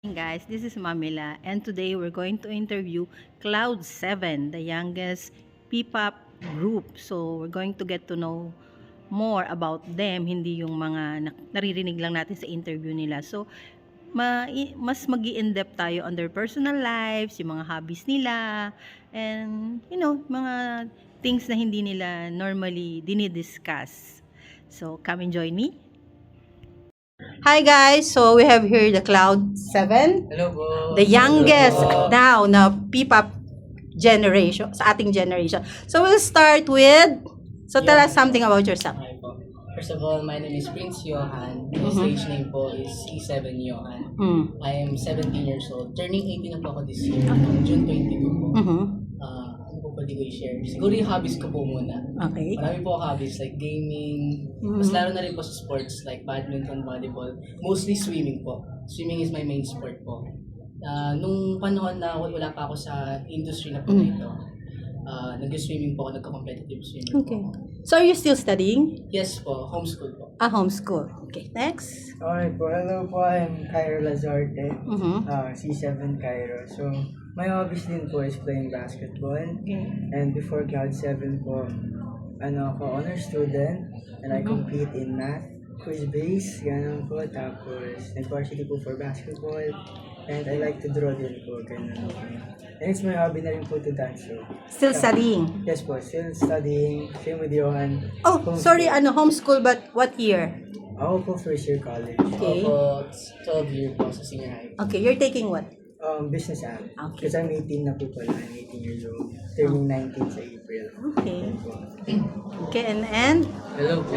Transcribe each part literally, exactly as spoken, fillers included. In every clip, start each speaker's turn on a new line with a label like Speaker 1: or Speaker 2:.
Speaker 1: Guys, this is Mamila, and today we're going to interview Cloud seven, the youngest P-pop group. So we're going to get to know more about them, hindi yung mga naririnig lang natin sa interview nila. So ma mas magi-in-depth tayo on their personal lives, yung mga hobbies nila, and you know, mga things na hindi nila normally dinidiscuss. So come and join me. Hi guys, so we have here the Cloud seven.
Speaker 2: Hello po.
Speaker 1: The youngest
Speaker 2: Hello po.
Speaker 1: now na P-pop generation, sa ating generation. So we'll start with, so tell
Speaker 2: Yeah.
Speaker 1: us something about yourself.
Speaker 2: Okay po. First of all, my name is Prince Johan. My
Speaker 1: Mhm.
Speaker 2: stage name po is C seven Johan.
Speaker 1: Mm.
Speaker 2: I am seventeen years old. Turning eighteen na po ako this year. June twenty-two po.
Speaker 1: Mhm.
Speaker 2: Uh, ano po pwede ko i-share? Siguro yung hobbies ko po muna.
Speaker 1: Okay.
Speaker 2: Marami po ako hobbies like gaming.
Speaker 1: Mhm.
Speaker 2: Mas laro na rin po sa sports like badminton, volleyball. Mostly swimming po. Swimming is my main sport po. Uh, nung panahon na wala pa ako sa industry na po na
Speaker 1: Mm.
Speaker 2: ito, uh, nag-swimming po ako, nagka-competitive swimming
Speaker 1: Okay.
Speaker 2: po.
Speaker 1: So are you still studying?
Speaker 2: Yes po, homeschool po.
Speaker 1: Ah, homeschool. Okay, next.
Speaker 3: Okay po, hello po, I'm Cairo Lazarte,
Speaker 1: Mhm.
Speaker 3: uh, C seven Cairo. So, my hobbies din po is playing basketball.
Speaker 1: Okay.
Speaker 3: And before Cloud seven po, ano ako, honor student, and I
Speaker 1: Mhm.
Speaker 3: compete in math, quiz base, ganun po. Tapos, nag-varsity po for basketball. And I like to draw din po, ganun po. And it's my hobby na rin po to dance. So,
Speaker 1: Still studying.
Speaker 3: yes po, still studying, same with Johan.
Speaker 1: Oh,
Speaker 3: Homeschool.
Speaker 1: sorry, ano, homeschool, but what year?
Speaker 3: Ako po first year college.
Speaker 1: Okay.
Speaker 2: Ako, twelve year po sa senior high.
Speaker 1: Okay, you're taking what?
Speaker 3: Um, business app.
Speaker 1: Okay.
Speaker 3: Because I'm eighteen na po pala. I'm eighteen years old. Turning nineteen sa April.
Speaker 1: Okay. Okay, and and
Speaker 4: Hello po.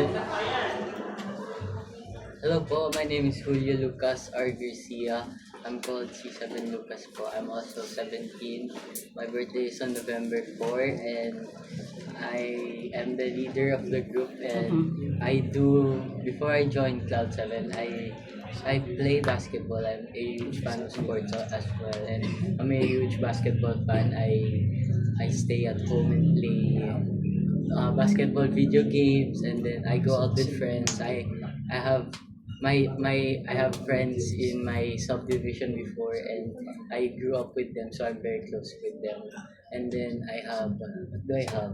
Speaker 4: Hello po, my name is Julio Lucas R. Garcia. I'm called C seven Lucas po. I'm also seventeen. My birthday is on November fourth and I am the leader of the group and I do, before I joined Cloud seven, I I play basketball. I'm a huge fan of sports as well and I'm a huge basketball fan. I I stay at home and play uh, basketball video games and then I go out with friends. I I have my my I have friends in my subdivision before and I grew up with them, so I'm very close with them. And then I have what do I have?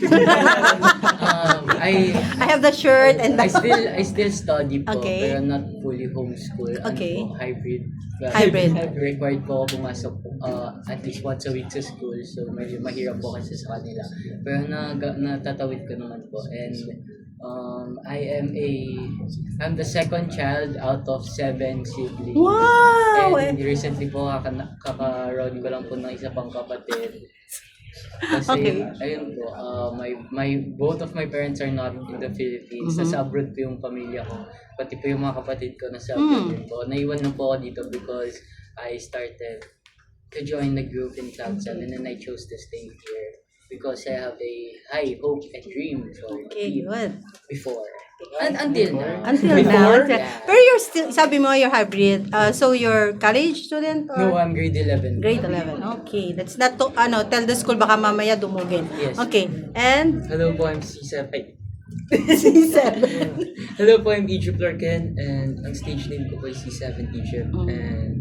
Speaker 4: um, I
Speaker 1: I have the shirt and
Speaker 4: I
Speaker 1: the
Speaker 4: still I still study po
Speaker 1: Okay.
Speaker 4: pero not fully homeschool.
Speaker 1: Okay.
Speaker 4: Ano po, hybrid.
Speaker 1: Hybrid.
Speaker 4: Required po ako pumasok uh, at least once a week sa school. So medyo mahirap po kasi sa kanila. Pero na, natatawid ko naman po. And um, I am a I'm the second child out of seven siblings.
Speaker 1: Wow!
Speaker 4: And recently po kaka- kakaroon ko lang po ng isa pang kapatid. Kasi
Speaker 1: Okay.
Speaker 4: ayun po, uh, my my both of my parents are not in the Philippines.
Speaker 1: Mhm.
Speaker 4: Nasa abroad po yung pamilya ko. Pati po yung mga kapatid ko nasa
Speaker 1: Mm.
Speaker 4: abroad din po. Naiwan na po ako dito because I started to join the group in Cloud seven and I chose to stay here because I have a high hope and dream for
Speaker 1: Okay,
Speaker 4: it
Speaker 1: good.
Speaker 4: before. And until now.
Speaker 1: Until now. until-
Speaker 4: Yeah.
Speaker 1: Pero you're still, sabi mo you're hybrid. Uh, so you're college student or?
Speaker 4: No, I'm grade eleven.
Speaker 1: Grade eleven. Okay. That's not to, ano, tell the school baka mamaya dumugin.
Speaker 4: Yes.
Speaker 1: Okay. And
Speaker 5: Hello po, I'm C seven.
Speaker 1: C seven.
Speaker 5: Hello po, I'm Egypt Larken and ang stage name ko po is C seven Egypt.
Speaker 1: Mm.
Speaker 5: And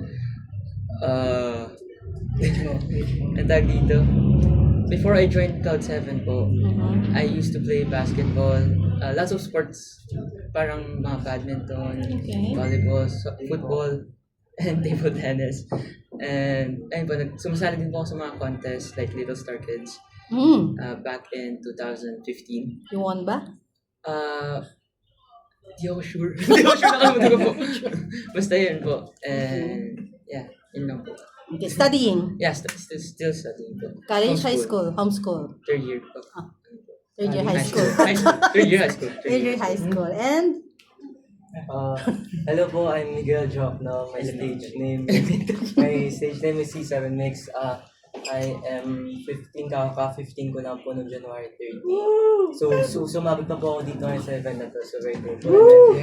Speaker 5: uh ang tag dito. Before I joined Cloud seven po,
Speaker 1: Mhm.
Speaker 5: I used to play basketball, uh, lots of sports, parang mga badminton,
Speaker 1: Okay.
Speaker 5: volleyball, so- football, and table tennis. And ayun po, nag- sumasali din po ako sa mga contests like Little Star Kids
Speaker 1: Mm.
Speaker 5: uh, back in twenty fifteen.
Speaker 1: You won ba?
Speaker 5: Ah, di ako sure. Di ako sure nakalimutan ko po. Basta yun po. And, yeah, yun lang po.
Speaker 1: Okay. Studying.
Speaker 5: Yeah, st- still, still studying po.
Speaker 1: College, high
Speaker 5: Homeschool.
Speaker 1: school, homeschool.
Speaker 5: Third year po.
Speaker 1: Ah, Third year high
Speaker 5: High
Speaker 1: school.
Speaker 5: High school. Third year high school.
Speaker 1: Third year high school. And
Speaker 6: Uh, hello po, I'm Miguel Jokno. My stage name my stage name is C seven Mix. Uh, I am fifteen, kaka fifteen ko lang po noong January thirtieth. So, so sumabot na po ako dito ngayon sa event na to. So, very grateful.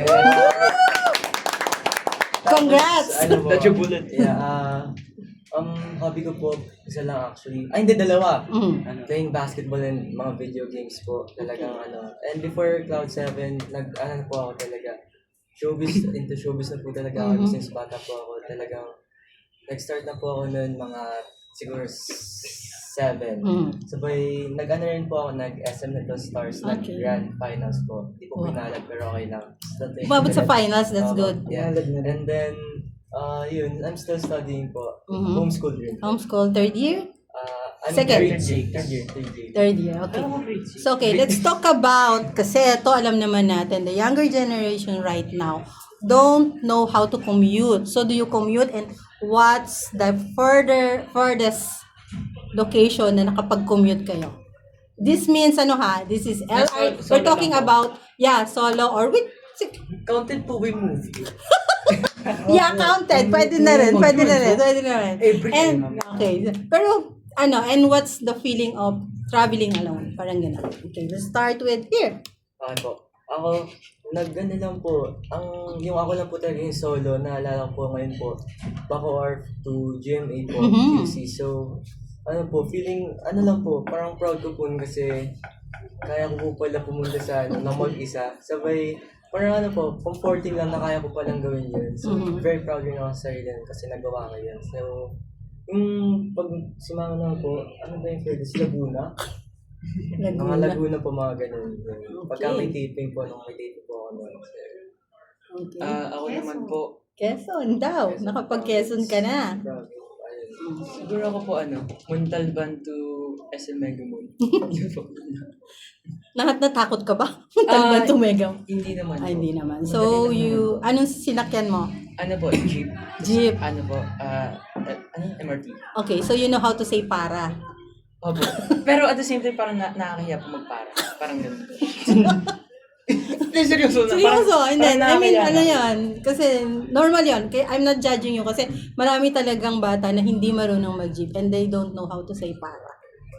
Speaker 1: congrats!
Speaker 6: Ano po?
Speaker 5: That's your bullet.
Speaker 6: Yeah, uh, um, hobby ko po, isa lang actually. Ay, hindi, dalawa.
Speaker 1: Mm.
Speaker 6: Ano, playing basketball and mga video games po. Talagang ano. And before Cloud seven, nag, ano po ako talaga. showbiz, into showbiz na po talaga ako
Speaker 1: Mhm.
Speaker 6: since bata po ako. Talagang nag-start na po ako noon mga siguro s- seven.
Speaker 1: Mm.
Speaker 6: Sabay, nag-ano rin po ako, nag-S M Little Stars,
Speaker 1: Okay.
Speaker 6: nag-grand finals po. Hindi po
Speaker 1: Wow.
Speaker 6: pinalag, pero okay lang. Basta tayo-
Speaker 1: Umabot sa finals, that's
Speaker 6: Oo,
Speaker 1: good.
Speaker 6: Yeah.
Speaker 3: Pinalag na rin.
Speaker 6: And then, uh, yun, I'm still studying po.
Speaker 1: Mhm.
Speaker 6: Homeschool rin. po.
Speaker 1: Homeschool, third year?
Speaker 6: Uh, I'm
Speaker 1: Second.
Speaker 6: Third year, third year, third year.
Speaker 1: Third year, okay. So, okay, let's talk about, kasi ito alam naman natin, the younger generation right now don't know how to commute. So, do you commute and what's the further, furthest location na nakapag-commute kayo? This means, ano ha, this is L I,
Speaker 5: Solo
Speaker 1: we're talking
Speaker 5: lang po.
Speaker 1: about, yeah, solo or with,
Speaker 6: Counted po by movie.
Speaker 1: yeah, counted. Pwede na rin, pwede na rin, pwede na rin.
Speaker 3: Every
Speaker 1: And,
Speaker 3: time.
Speaker 1: okay, pero, ano, and what's the feeling of traveling alone? Parang gano'n. Okay, let's start with here.
Speaker 6: Okay po. Ako, nag-ano lang po, ang, yung ako lang po talaga yung solo, naalala ko po ngayon po, Bacoor to G M A po,
Speaker 1: Mhm.
Speaker 6: Q C. So, ano po, feeling, ano lang po, parang proud ko po kasi kaya ko po pala pumunta sa ano, na mag-isa. Sabay, parang ano po, comforting lang na kaya ko palang gawin yun. So,
Speaker 1: Mhm.
Speaker 6: very proud rin ako sa sarili kasi nagawa ko yun. So, yung pag simama na po, ano ba yung furthest? Laguna? Mga
Speaker 1: Laguna.
Speaker 6: Laguna po, mga ganun. Pagka may taping po, nung may taping po ako noon.
Speaker 1: Okay.
Speaker 5: Ah, ako naman po,
Speaker 1: Quezon daw. Nakapag-Quezon ka na.
Speaker 6: Grabe. Ayun.
Speaker 5: siguro ako po ano, Montalban to S M Megamall. Yun po.
Speaker 1: Lahat natakot ka ba? Talban
Speaker 5: Ah,
Speaker 1: tumega.
Speaker 5: Hindi naman po.
Speaker 1: Ay, hindi naman. So, you, anong sinakyan mo?
Speaker 5: Ano po, jeep.
Speaker 1: Jeep.
Speaker 5: Ano po, ah, eh, ano, M R T.
Speaker 1: Okay, so you know how to say para.
Speaker 5: Opo. Pero at the same time, parang na nakakahiya po magpara. Parang ganun po. Hindi, seryoso na.
Speaker 1: Seryoso,
Speaker 5: Parang-
Speaker 1: and then, I
Speaker 5: parang
Speaker 1: mean,
Speaker 5: nakakahiya
Speaker 1: ano
Speaker 5: na.
Speaker 1: yan, kasi normal yan. Kaya I'm not judging you kasi marami talagang bata na hindi marunong mag-jeep and they don't know how to say para.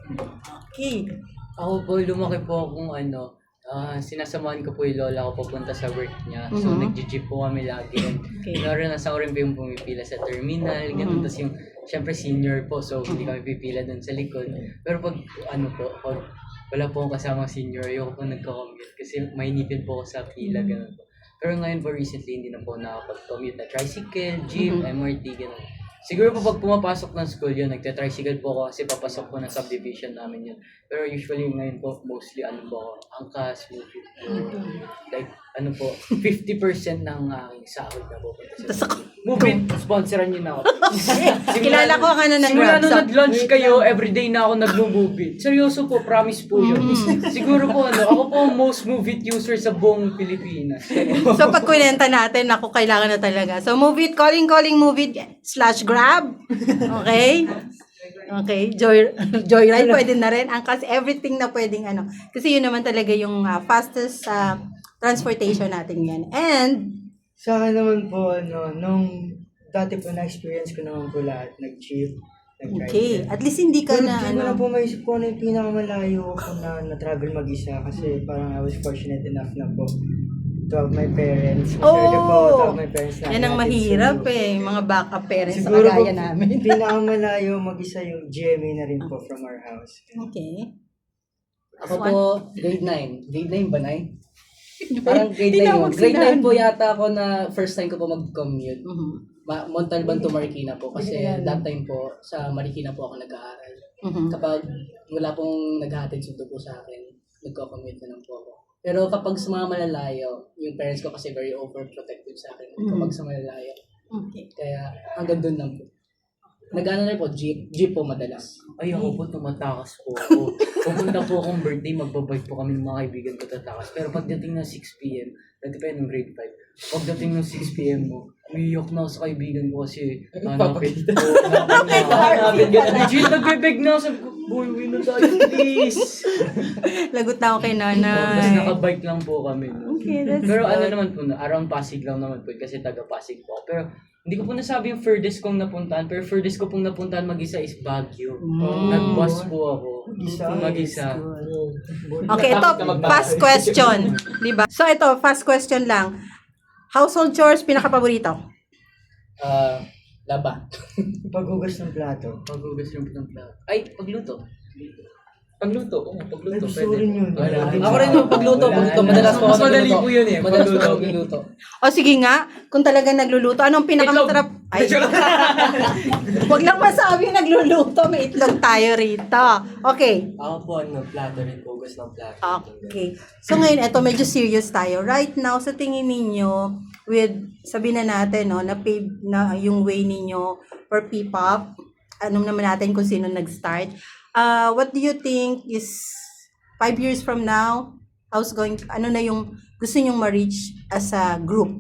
Speaker 1: Okay.
Speaker 4: Ako po, lumaki po akong ano, ah, sinasamahan ko po yung lola ko papunta sa work niya. So,
Speaker 1: Mhm.
Speaker 4: nag-jeep po kami lagi. And
Speaker 1: Okay.
Speaker 4: naranasan ko rin po yung pumipila sa terminal, ganun.
Speaker 1: Mhm.
Speaker 4: Tapos yung, syempre senior po, so hindi kami pipila dun sa likod. Pero pag, ano po, pag wala po akong kasamang senior, ayoko po nagko-commute kasi mainipin po ako sa pila, ganun po. Pero ngayon po recently, hindi na po nakapag-commute na tricycle, jeep,
Speaker 1: Mhm.
Speaker 4: M R T, ganun. Siguro po pag pumapasok ng school yun, nagte-tricycle po ako kasi papasok po ng subdivision namin yun. Pero usually ngayon po, mostly ano po ako, angkas, movie po. Like, ano po, fifty percent ng aking sahod na po.
Speaker 1: Tapos ako,
Speaker 4: Movie, sponsoran niyo na ako.
Speaker 1: kilala ko ka na ng
Speaker 4: Simula
Speaker 1: Grab
Speaker 4: nung
Speaker 1: sa...
Speaker 4: nag-lunch kayo, everyday na ako nag-movie. Seryoso po, promise po yun. Siguro po ano, ako po ang most movie user sa buong Pilipinas.
Speaker 1: So, pag kunenta natin, ako kailangan na talaga. So, move it, calling, calling, move it, slash grab. Okay? Okay, joy joyride pwede na rin. Ang kasi everything na pwedeng ano. Kasi yun naman talaga yung ah, fastest ah, transportation natin yan. And,
Speaker 3: Sa akin naman po, ano, nung dati po na-experience ko naman po lahat, nag-jeep, nag-ride.
Speaker 1: okay, at least hindi ka
Speaker 3: Pero
Speaker 1: na
Speaker 3: di ko na
Speaker 1: ano.
Speaker 3: po maisip ko ano yung pinakamalayo ko na na-travel mag-isa kasi parang I was fortunate enough na po to have my parents. Maswerte po ako to have my parents na
Speaker 1: Yan ang
Speaker 3: natin
Speaker 1: mahirap
Speaker 3: solo.
Speaker 1: eh, mga backup parents sa
Speaker 3: Siguro po,
Speaker 1: kagaya namin.
Speaker 3: pinakamalayo mag-isa yung G M A na rin po from our house.
Speaker 1: Okay.
Speaker 2: Ako po, grade nine. Grade nine ba, Nay? Parang grade
Speaker 1: Hindi
Speaker 2: nine
Speaker 1: na
Speaker 2: yun.
Speaker 1: ako
Speaker 2: Grade
Speaker 1: sinabi.
Speaker 2: nine po yata ako na first time ko po mag-commute.
Speaker 1: Mhm.
Speaker 2: Ma- Montalban to Marikina po kasi
Speaker 1: Hindi ko
Speaker 2: that time po sa Marikina po ako nag-aaral.
Speaker 1: Mhm.
Speaker 2: Kapag wala pong naghahatid sundo po sa akin, nagko-commute na lang po ako. Pero kapag sa mga malalayo, yung parents ko kasi very overprotective sa akin kapag sa malalayo.
Speaker 1: Okay.
Speaker 2: Kaya hanggang doon lang po. Nag-ano na po, jeep. Jeep po madalas.
Speaker 4: Ay, ako po, tumatakas po ako. Pupunta po akong birthday, magbabike po kami ng mga kaibigan ko tatakas. Pero pagdating ng six p.m., dati pa yun ng grade five, pagdating ng six p.m. mo, umiyak na ako sa kaibigan ko kasi nanapit po. Nanapit na ako. Legit, nagbebeg na ako. Sabi ko, boy, uwi na tayo, please.
Speaker 1: Lagot na ako kay
Speaker 4: Tapos
Speaker 1: nanay.
Speaker 4: nakabike lang po kami. No?
Speaker 1: Okay, that's
Speaker 4: Pero ano
Speaker 1: good.
Speaker 4: naman po, no, around Pasig lang naman po kasi taga Pasig po. ako. Pero hindi ko po nasabi yung furthest kong napuntahan, pero furthest ko pong napuntahan mag-isa is Baguio.
Speaker 1: Mm.
Speaker 4: Nag-bus po ako.
Speaker 3: Mag-isa?
Speaker 4: Mag-isa.
Speaker 1: Okay, ito, fast question. Diba? So, ito, fast question lang. Household chores, pinaka-paborito?
Speaker 2: Ah, laba.
Speaker 3: Paghugas ng plato.
Speaker 4: Paghugas ng ng plato. Ay, pagluto.
Speaker 5: Pagluto, oo, pagluto.
Speaker 3: Gusto
Speaker 5: Pwede.
Speaker 3: rin yun.
Speaker 2: Wala.
Speaker 3: Wala.
Speaker 2: Ako rin yung pagluto.
Speaker 3: Wala.
Speaker 2: Pagluto. Madalas po ako
Speaker 5: Mas madali
Speaker 2: nagluluto.
Speaker 5: po yun eh,
Speaker 2: Madalas po
Speaker 5: pagluto.
Speaker 2: ako nagluluto.
Speaker 1: O sige nga, kung talagang nagluluto, anong pinakamasarap? Ay, wag lang masabi nagluluto, may itlog tayo rito. Okay.
Speaker 6: Ako po, ano, plato rin po. Gusto ng plato.
Speaker 1: Okay. So ngayon, eto medyo serious tayo. Right now, sa tingin ninyo, with, sabihin na natin, no, na pave na yung way ninyo for P-pop, anong naman natin kung sino nag-start. Uh, what do you think is five years from now, how's going, ano na yung gusto nyong ma-reach as a group?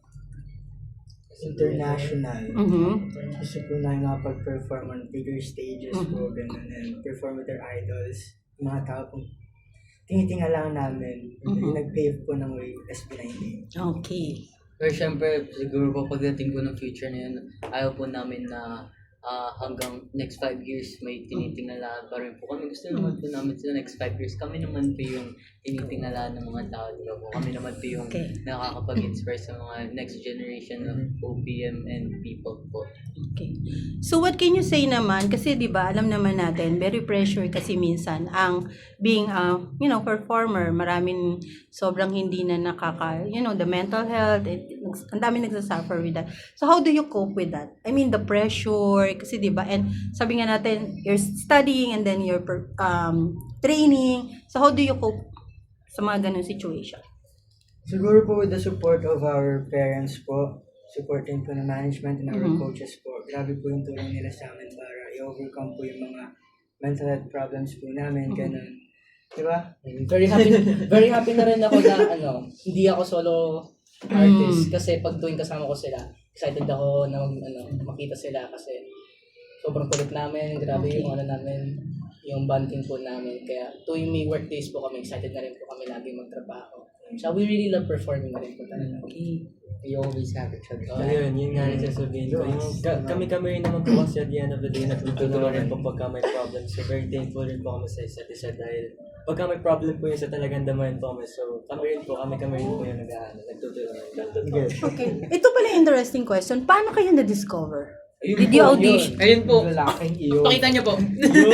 Speaker 3: International.
Speaker 1: Mhm.
Speaker 3: Gusto po na makapag-perform on bigger stages
Speaker 1: Mhm.
Speaker 3: po, ganun, and perform with their idols. Yung mga tao pong tinitinga lang namin,
Speaker 1: Mhm.
Speaker 3: yung nag-pave po ng way, S B nineteen.
Speaker 1: Okay.
Speaker 4: Pero syempre, siguro po pagdating po ng future na yun, ayaw po namin na ah, hanggang next five years may tinitingala pa rin po kami. Gusto naman po namin sa next five years, kami naman po yung tinitingala ng mga tao. Diba po? Kami naman po yung
Speaker 1: Okay.
Speaker 4: nakakapag-inspire sa mga next generation of O P M and people po.
Speaker 1: Okay. So what can you say naman, kasi 'di ba alam naman natin, very pressure kasi minsan ang being a, you know, performer, maraming sobrang hindi na nakaka, you know, the mental health, it, ang dami nagsasuffer with that. So how do you cope with that? I mean the pressure kasi 'di ba, and sabi nga natin you're studying and then you're per- um training. So how do you cope sa mga ganung situation?
Speaker 3: Siguro po with the support of our parents po, supporting po ng management and our
Speaker 1: Mhm.
Speaker 3: coaches po, grabe po yung tulong nila sa amin para i-overcome po yung mga mental health problems po namin, ganun. Diba?
Speaker 2: Very happy, very happy na rin ako na ano, hindi ako solo artist
Speaker 1: Mm.
Speaker 2: kasi pag tuwing kasama ko sila, excited ako na mag, ano, makita sila kasi sobrang kulit namin, grabe
Speaker 1: Okay.
Speaker 2: yung ano namin, yung bonding po namin. Kaya tuwing may work days po kami, excited na rin po kami lagi magtrabaho. So we really love performing na rin po talaga.
Speaker 1: Okay.
Speaker 2: We always have each other.
Speaker 6: So, yun, yun nga rin sasabihin ko. Yung, ka- kami-kami rin naman po kasi at the end of the day, nagtutulungan rin po pagka may problem. So, very thankful rin po kami sa isa't isa dahil pagka may problem po yun sa talagang damayan po kami. So, kami rin po, kami-kami rin po yung nag-ano, nagtutulungan.
Speaker 1: Okay. Ito pala interesting question. Paano kayo na-discover?
Speaker 5: Ayun
Speaker 1: Did
Speaker 5: po,
Speaker 1: you audition?
Speaker 5: Ayun po.
Speaker 3: Lalaking iyo.
Speaker 5: Pakita niyo po.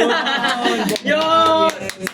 Speaker 5: Yun!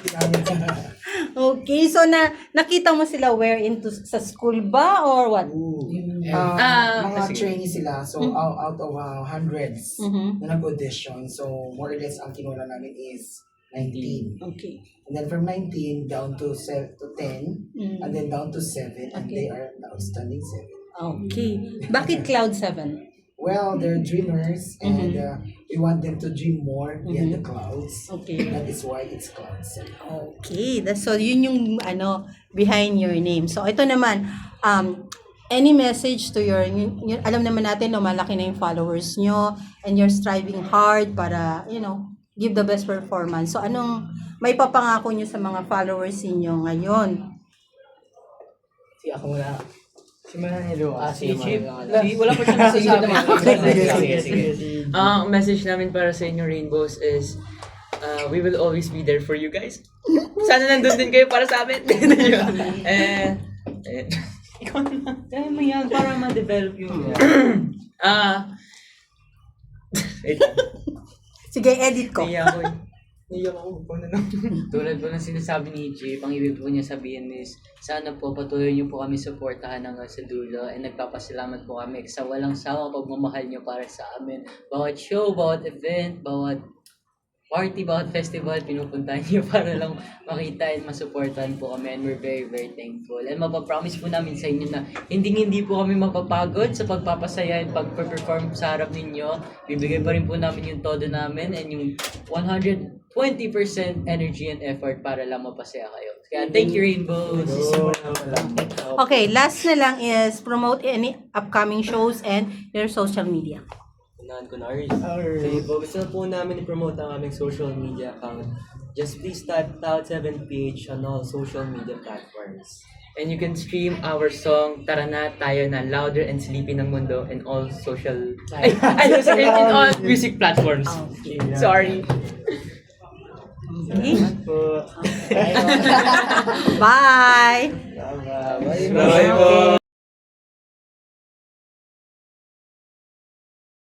Speaker 1: Okay, so na nakita mo sila where into sa school ba or what?
Speaker 7: Uh,
Speaker 5: Ah,
Speaker 7: mga
Speaker 5: sige.
Speaker 7: trainee sila, so out, out of uh, hundreds
Speaker 1: Mhm.
Speaker 7: na nag-audition, so more or less ang kinula namin is nineteen.
Speaker 1: Okay.
Speaker 7: And then from nineteen down to se- to ten,
Speaker 1: Mm.
Speaker 7: and then down to seven, and
Speaker 1: Okay.
Speaker 7: they are the outstanding seven.
Speaker 1: Okay. Bakit Cloud seven?
Speaker 7: Well, they're dreamers, and
Speaker 1: Mhm.
Speaker 7: uh, we want them to dream more beyond
Speaker 1: Mhm.
Speaker 7: the clouds.
Speaker 1: Okay.
Speaker 7: That is why it's cloud seven.
Speaker 1: Okay. That's, so yun yung ano behind your name. So ito naman um any message to your yun, yun- alam naman natin no malaki na yung followers nyo and you're striving hard para you know give the best performance. So anong may papangako nyo sa mga followers niyo ngayon?
Speaker 2: Si ako muna.
Speaker 3: Si Mananilo.
Speaker 2: Ah, si Chip.
Speaker 3: Mananilo.
Speaker 2: Si, wala pa siya nasasabi.
Speaker 3: Sige,
Speaker 2: Sige, sige.
Speaker 3: sige.
Speaker 5: Ah, ang message namin para sa inyo, Rainbows, is uh, we will always be there for you guys. Sana nandun din kayo para sa amin. eh, eh, ikaw na. Kaya mo yan para ma-develop yung... Ah, wait lang.
Speaker 1: Sige, edit ko.
Speaker 5: Naiya ako eh. Naiya ako. Ikaw na lang.
Speaker 4: Tulad po ng sinasabi ni Jay, ang ibig po niya sabihin is, sana po patuloy niyo po kami suportahan hanggang sa dulo and nagpapasalamat po kami sa walang sawa pagmamahal niyo para sa amin. Bawat show, bawat event, bawat party, bawat festival, pinupuntahan niyo para lang makita and masuportahan po kami and we're very, very thankful. And mapapromise po namin sa inyo na hindi-hindi po kami mapapagod sa pagpapasaya and pag-perform sa harap ninyo. Bibigay pa rin po namin yung todo namin and yung one hundred twenty percent energy and effort para lang mapasaya kayo. Kaya thank you, Rainbows!
Speaker 1: Okay, last na lang is promote any upcoming shows and your social media.
Speaker 6: Unahan ko na, Ars. Sige po, gusto na po namin i-promote ang aming social media account. Just please type Cloud seven P H on all social media platforms.
Speaker 5: And you can stream our song Tara Na Tayo Na Louder and Sleepy ng Mundo in all social ay, ay, sorry, in all music platforms. Sorry.
Speaker 1: Okay.
Speaker 3: Po.
Speaker 1: Bye!
Speaker 3: Bye-bye.
Speaker 5: Bye po.